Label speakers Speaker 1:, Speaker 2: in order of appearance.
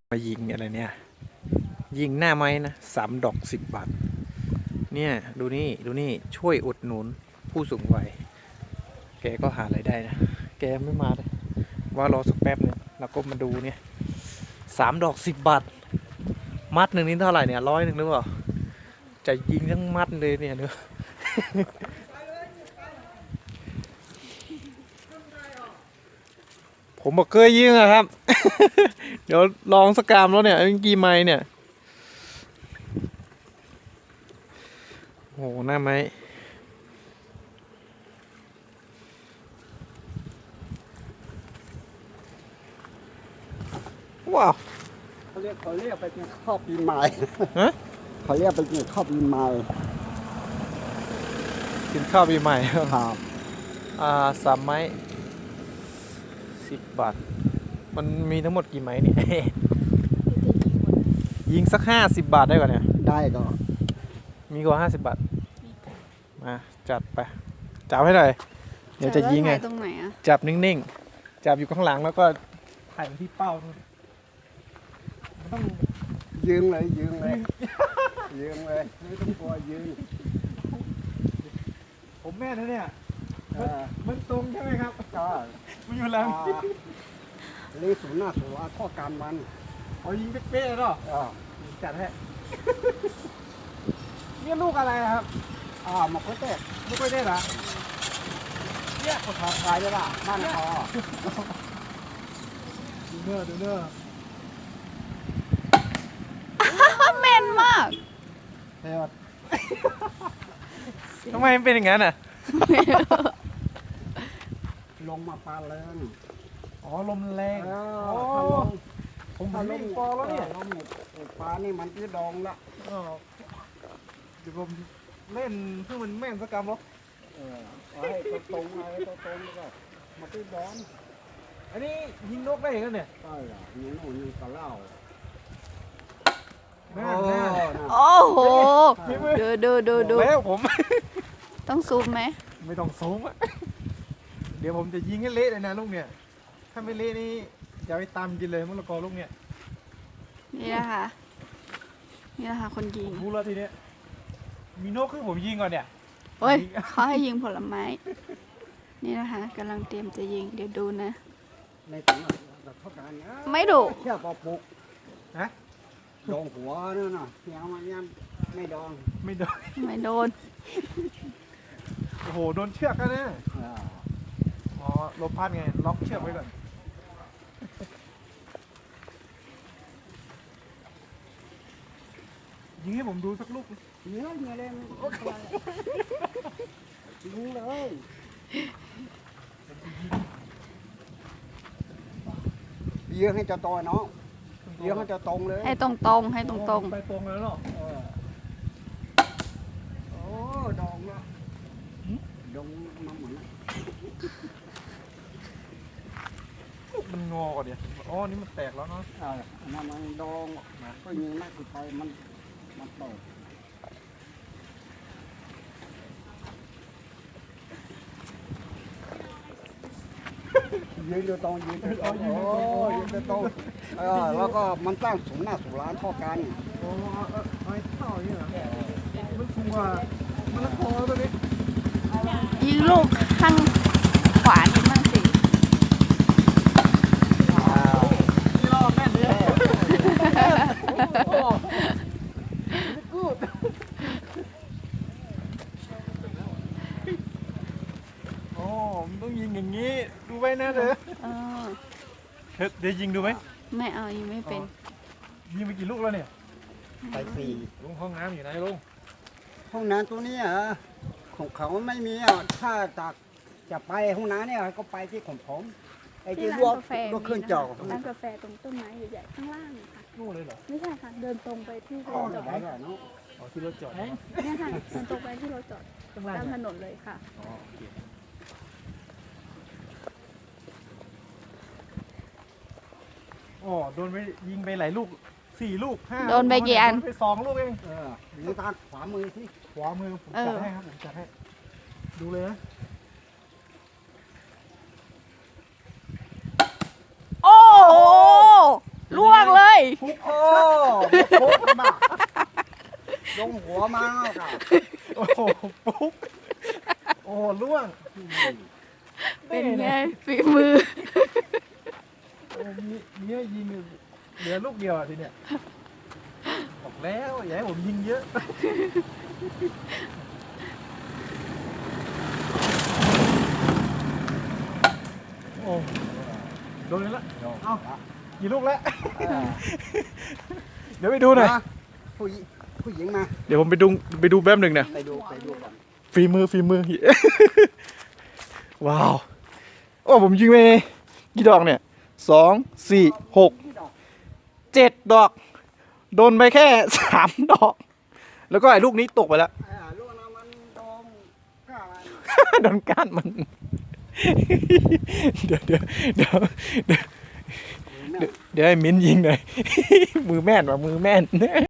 Speaker 1: มายิงอะไรเนี่ยยิงหน้าไม้นะ3 ดอก 10 บาทเนี่ยดูนี่ช่วยอุดหนุนผู้สูงวัยแกก็หาอะไรายได้นะแกไม่มาเลยว่ารอสักแป๊บนึงแล้วก็มาดูเนี่ย3 ดอก 10 บาทมัดหนึ่งนี่เท่าไหร่เนี่ย100หรือเปล่าจะยิงทั้งมัดเลยเนี่ยเนื้อ ผมบอกเคยยิงอะครับ เดี๋ยวลองสกามแล้วเนี่ยกี่ไม้เนี่ยโหหน้าไม้ว้าว
Speaker 2: เขาเรียกไปกินข้าวปีใหม่
Speaker 1: ฮะ
Speaker 2: เขาเรียกไปกินข้าวปีใหม่
Speaker 1: กินข้าวปีใหม่
Speaker 2: ครับ
Speaker 1: 3 ไม้ 10 บาทมันมีทั้งหมดกี่ไม้เนี่ย ยิงสัก50 บาทได้ก่อนเนี่ย
Speaker 2: ได้ก็
Speaker 1: มีกว่า50 บาทมาจัดไปจับให้หน่อยเดี๋ยวจะยิงไง
Speaker 3: ตรงไหนอะ
Speaker 1: จับนิ่งๆจับอยู่ข้างหลังแล้วก็ถ่ายไปที่เป้านู่นมันต้อง
Speaker 2: ยืงเลยยืงเลยไม่ต้องกลัวยืง
Speaker 1: ผมแม่นะเนี่ย
Speaker 2: เออ
Speaker 1: มันตรงใช่ไหมครับ
Speaker 2: ก็
Speaker 1: มันอยู่หลัง
Speaker 2: ลีศูนย์หน้าศูนย์ข้อการมัน
Speaker 1: เอายิงเป๊ะๆเนาะ
Speaker 2: อ่า
Speaker 1: จัดให้ เนี่ยลูกอะไรอะครับ
Speaker 2: มาก็เตะ
Speaker 1: ลูกไม่ได้เหรอ
Speaker 2: เนี่ยคนทำขายได้ละบ้านคอ
Speaker 1: ดูเนอร์ดูเนอร์
Speaker 3: แม่นมาก
Speaker 2: เฮ้ย
Speaker 1: ทำไมมันเป็นอย่างนั้นอ่ะ
Speaker 2: ลงมาปลาเลย
Speaker 1: อ๋อลมแรง
Speaker 2: โอ้
Speaker 1: ผมวิ่งปอแล้วเนี่ย
Speaker 2: ลงปลานี่มันที่ดองละ
Speaker 1: อ๋อเดี๋ยวผมเล่นเพื่อมันแม่นสักกรรมหรอ
Speaker 2: เอาให้ตรงๆให้ตรงๆแล้วก็มาที่ดอง
Speaker 1: อันนี้ยิงนกได้เหรอเนี่ย
Speaker 2: ใช่เหรอนี่หนูนี่ก็เล่า
Speaker 1: แม่นแม่น
Speaker 3: โอ้โห ดู
Speaker 1: แล้วผม
Speaker 3: ต้องซูมไหม
Speaker 1: ไม่ต้องซูมอะ เดี๋ยวผมจะยิงให้เละเลยนะลูกเนี่ย ถ้าไม่เละนี่อย่าไปตามกินเลยมะละกอลูกเนี่ย
Speaker 3: นี่นะคะคนยิง
Speaker 1: ผมรู้แล้วทีเนี้ยมีนกคือผมยิงก่อนเนี่ย
Speaker 3: เฮ้ยเขาให้ยิงผลไม้ นี่นะคะกำลังเตรียมจะยิง เดี๋ยวดูนะ
Speaker 2: ในถังแบบเท่ากันนะ
Speaker 3: ไม่ดุ
Speaker 2: เชี่ยปอปุก
Speaker 1: ฮะ
Speaker 2: ดองหัวนั่นน่ะเสียงมันยังไม่ดอง
Speaker 1: ไม่โดน
Speaker 3: ไม่โดน
Speaker 1: โอ้โหโดนเชือกแล้วนะ
Speaker 2: อ่า
Speaker 1: อ๋อลมพัดไงล็อกเชือกไว้ก่อนยิงให้ผมดูสักลูก
Speaker 2: เนื้อเนื้อเลยรู้เลยเยอะให้เจะตัวเนาะเยอะให้เจะตรงเลย
Speaker 3: ให้ตรงๆให้ตรง
Speaker 1: ไปตรงแล้วเนาะ
Speaker 2: เออโอ้ดองละดองมาเหมือน
Speaker 1: มันงอก่อนเดี๋ยวอ๋อนี่มันแตกแล้วเนาะ
Speaker 2: มันดองมาก็ยิงนักสุดท้ายมันเปิดยืนอยู่ตรงยืนอยู่ตรงโอ้ยืนอยู่ตรงแล้วก็มันตั้งสูงหน้าสูงร้านเท่ากัน
Speaker 1: โอ้ไม้เท่าอย่างนี้เหรอมันสูงกว่ามันละคอตัวนี้
Speaker 3: ๆ ยิงลูกข้างขวานิดมั่งสิ
Speaker 1: นี่รอบแม่นเลยโอ้กูดโอ้มันต้องยิงอย่างนี้ดูไว้นะเด้อ
Speaker 3: เออ
Speaker 1: เดี๋ยวยิงดูไหม
Speaker 3: ไม่เอายิงไม่เป็น
Speaker 1: ยิงไปกี่ลูกแล้วเนี่ย
Speaker 2: ไปสี่
Speaker 1: ลุงห้องน้ำอยู่ไหนลุง
Speaker 2: ห้องน้ำตัวนี้ของเขาไม่มีอ่ะถ้าจากจะไปห้องน้ำเนี่ยก็ไปที่ของผมไอ้ที่
Speaker 3: ที่
Speaker 2: ลว
Speaker 3: ร้าก นกาแฟ
Speaker 2: ลวกเครื่องจอก
Speaker 3: ร้านกาแฟตรงต้นไม้ใหญ่ๆข้างล่างค่ะ
Speaker 1: นู่นเลยเหรอ
Speaker 3: ไม่ใช่ค่ะ เดินตรงไปที่ร
Speaker 2: ก็
Speaker 3: ถจอด
Speaker 2: ได้แล้วเนาะ
Speaker 1: อ๋อที่รถจอด
Speaker 3: เนี่ยค่ะเดินตรงไปที่รถจอด
Speaker 1: ข้างล่าง
Speaker 3: ตามถ
Speaker 1: เนี่ย
Speaker 3: นนเลยค่ะ
Speaker 1: อ๋อโอเคอ๋อโดนไปยิงไปหลายลูก4 ลูก5
Speaker 3: โดนไปกี่อัน
Speaker 1: โดไป2 ลูกเอง
Speaker 2: นี่ทางขวามือที่
Speaker 1: ขวามือผมจัดให้ครับผมจัดให้ดูเลยนะ
Speaker 3: โอ้โหล่วงเลย
Speaker 2: ฟุกโอ้ฟุกมาลงหัวมาค่ะ
Speaker 1: โอ้โหปุ๊กโอ้โหล่วง
Speaker 3: เป็นไงฝีมือ
Speaker 1: โอ้มีให้ยิงเหลือลูกเดียวอ่ะทีเนี้ยบอกแล้วอย่าให้ผมยิงเยอะโอ้โดนเลยละเอากี่ลูกแล้ว เดี๋ยวไปดูหน่อย
Speaker 2: มาผู้หญิงมา
Speaker 1: เดี๋ยวผมไปดูแป๊บหนึ่งนะ
Speaker 2: ไปดูก่อน
Speaker 1: ฝีมือ ว้าว โอ้ผมยิงไปกี่ดอกเนี่ย2 4 6 7 ดอก โดนไปแค่ 3 ดอก แล้วก็ไอ้ลูกนี้ตกไปแล้ว
Speaker 2: ลูกนั้นมันโดนก้า
Speaker 1: โดนก้านมัน เดี๋ยวให้มิ้นยิงหน่อย มือแม่นว่ะมือแม่น